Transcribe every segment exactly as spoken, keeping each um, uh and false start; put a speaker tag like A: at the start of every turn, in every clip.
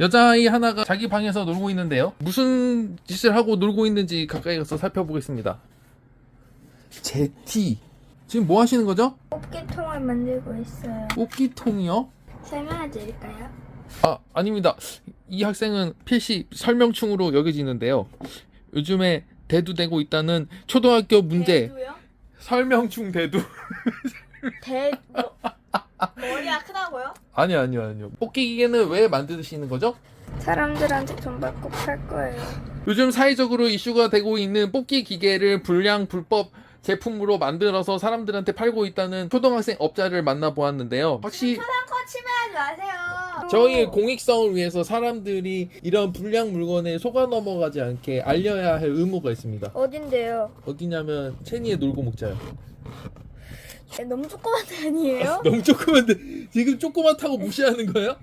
A: 여자아이 하나가 자기 방에서 놀고 있는데요. 무슨 짓을 하고 놀고 있는지 가까이 가서 살펴보겠습니다. 제티. 지금 뭐 하시는 거죠?
B: 뽑기통을 만들고 있어요.
A: 뽑기통이요?
B: 설명해 드릴까요?
A: 아, 아닙니다. 이 학생은 필시 설명충으로 여겨지는데요. 요즘에 대두되고 있다는 초등학교 문제.
B: 대두요?
A: 설명충 대두.
B: 대... 뭐... 머리가 크다고요?
A: 아니요, 아니요, 아니요. 뽑기 기계는 왜 만드시는 거죠?
B: 사람들한테 돈 받고 팔 거예요.
A: 요즘 사회적으로 이슈가 되고 있는 뽑기 기계를 불량 불법 제품으로 만들어서 사람들한테 팔고 있다는 초등학생 업자를 만나보았는데요. 확실히
B: 초상권 침해하지 마세요.
A: 저희의 공익성을 위해서 사람들이 이런 불량 물건에 속아 넘어가지 않게 알려야 할 의무가 있습니다.
B: 어딘데요?
A: 어디냐면 체니에 놀고 먹자요.
B: 에, 너무 조그만 데 아니에요?
A: 너무 조그만데 지금 조그맣다고 무시하는 거예요?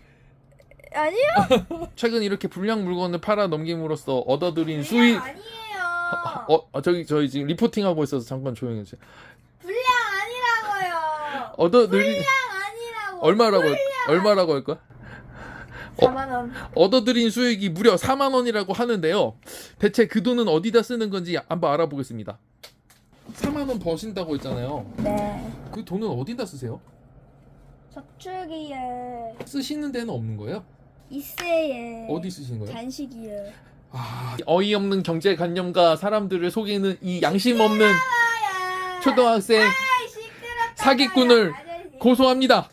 B: 아니요?
A: 최근 이렇게 불량 물건을 팔아 넘김으로써 얻어들인 수익.
B: 아니에요.
A: 어, 어 저기 저희 지금 리포팅 하고 있어서 잠깐 조용히 해주세요.
B: 불량 아니라고요.
A: 얻어들인
B: 불량 아니라고.
A: 얼마라고 할, 얼마라고 할 거야?
B: 사만 원.
A: 얻어들인 수익이 무려 사만 원이라고 하는데요. 대체 그 돈은 어디다 쓰는 건지 한번 알아보겠습니다. 사만 원 버신다고 했잖아요.
B: 네.
A: 그 돈은 어디다 쓰세요?
B: 저축이에
A: 쓰시는 데는 없는 거예요?
B: 이세에
A: 어디 쓰시는 거예요?
B: 간식이에.
A: 아, 어이없는 경제관념과 사람들을 속이는 이 양심 없는 초등학생
B: 아이, 시끄럽다.
A: 사기꾼을
B: 아저씨.
A: 고소합니다.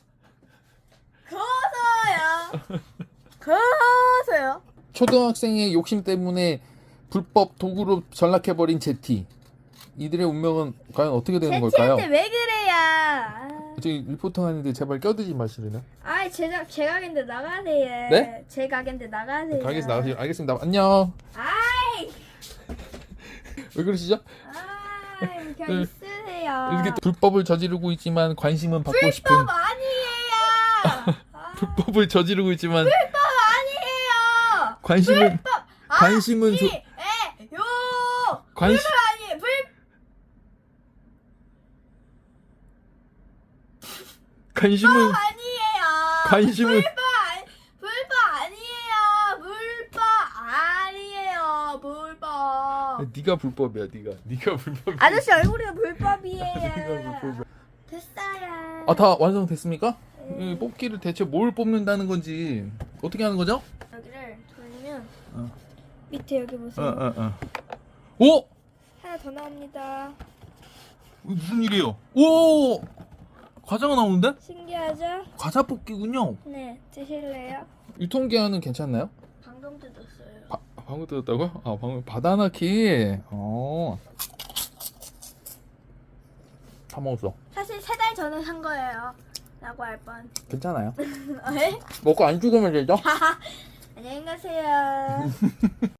B: 고소요. 고소요.
A: 초등학생의 욕심 때문에 불법 도구로 전락해버린 제티. 이들의 운명은 과연 어떻게 되는 걸까요?
B: 제티한테 왜 그래요? 아.
A: 저기 리포팅 하는데 제발 껴들지 마시려나?
B: 아이 제가 제 가게인데 나가세요.
A: 네?
B: 제 가게인데 나가세요.
A: 가게에서 나가세요. 알겠습니다. 안녕.
B: 아이,
A: 왜 그러시죠?
B: 아이 그냥 있으세요.
A: 이렇게 불법을 저지르고 있지만 관심은 받고 싶은
B: 불법 아니에요. 아,
A: 불법을 저지르고 있지만
B: 불법 아니에요.
A: 관심은
B: 불법
A: 관심은 조,
B: 아니에요.
A: 관심
B: 불법 아니에요. 불
A: 관심은
B: 아니에요.
A: 관심은
B: 불법 아니, 불법 아니에요. 불법 아니에요. 불법.
A: 네가 불법이야. 네가 네가 불법.
B: 아저씨 얼굴이
A: 네가
B: 불법이에요.
A: 불법이야.
B: 됐어요.
A: 아, 다 완성됐습니까? 이 뽑기를 대체 뭘 뽑는다는 건지 어떻게 하는 거죠?
B: 여기를 돌리면
A: 어.
B: 밑에 여기 보세요.
A: 어, 어, 어. 오!
B: 하나 더 나옵니다.
A: 무슨 일이에요? 오! 과자가 나오는데?
B: 신기하죠?
A: 과자 뽑기군요.
B: 네, 드실래요?
A: 유통기한은 괜찮나요?
B: 방금 뜯었어요.
A: 바, 방금 뜯었다고요? 아, 방금 바다나키. 어. 다 먹었어.
B: 사실 세 달 전에 산 거예요. 라고 할 뻔.
A: 괜찮아요.
B: 에?
A: 먹고 안 죽으면 되죠?
B: 안녕히 가세요.